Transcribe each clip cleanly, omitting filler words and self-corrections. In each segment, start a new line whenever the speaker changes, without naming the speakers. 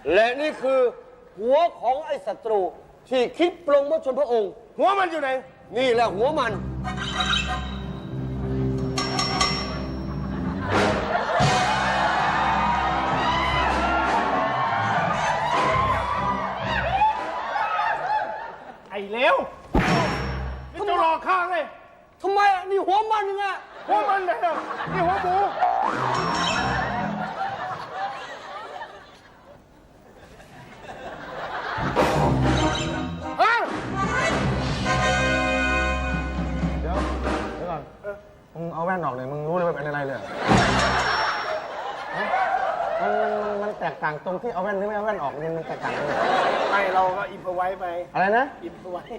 และนี่คือหัวของไอ้ศัตรูที่คิดปลงมชนพระองค์
หัวมันอยู่ไหน
นี่แหละหัวมัน
ไอ้เลวนี่จะรอข้าไง
ทำไมอ่ะนี่หัวมันยังไง
หัวมันเลยนี่หัวหมูฮะ
เดี๋ยวก่อนมึงเอาแว่นออกเลยมึงรู้เลยว่าเป็นอะไรเลยมันแตกต่างตรงที่เอาแว่นหรือไม่เอาแว่นออกมันแตกต่างเลย
ไม่เราก็อิมพอไว้ไป
อะไรนะ
อิมพอไว้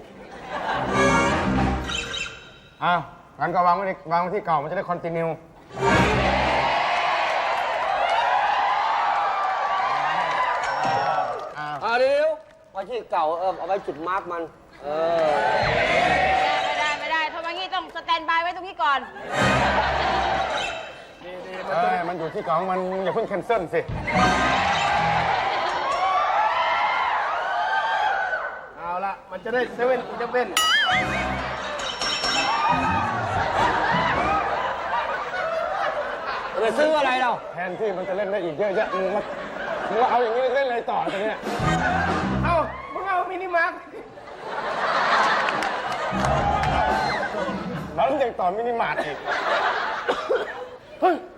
อ้าวงั้นก็วางไว้ที่เก่ามันจะได้คอนติเนีย
เดี๋ยวไว้ที่เก่าเอาไว้จุดมาร์กมัน
ไม่ได้ทำไมงี้ต้องสแตนบายไว้ตรงนี้ก่อน
มันอยู่ที่เก่าของมันอย่าเพิ่งแคนเซิลสิ
เอาละมันจะได้เซเว่นอีเลฟเว่น
ไปซื้ออะไรเรา
แทนที่มันจะเล่นได้อีกเยอะแยะมึงว่าเอาอย่างนี้เล่นอะไรต่อตอนนี้
เอามึงเอามินิมาร์ท
แล้วยังต่อมินิมาร์ทอีก
เฮ้ย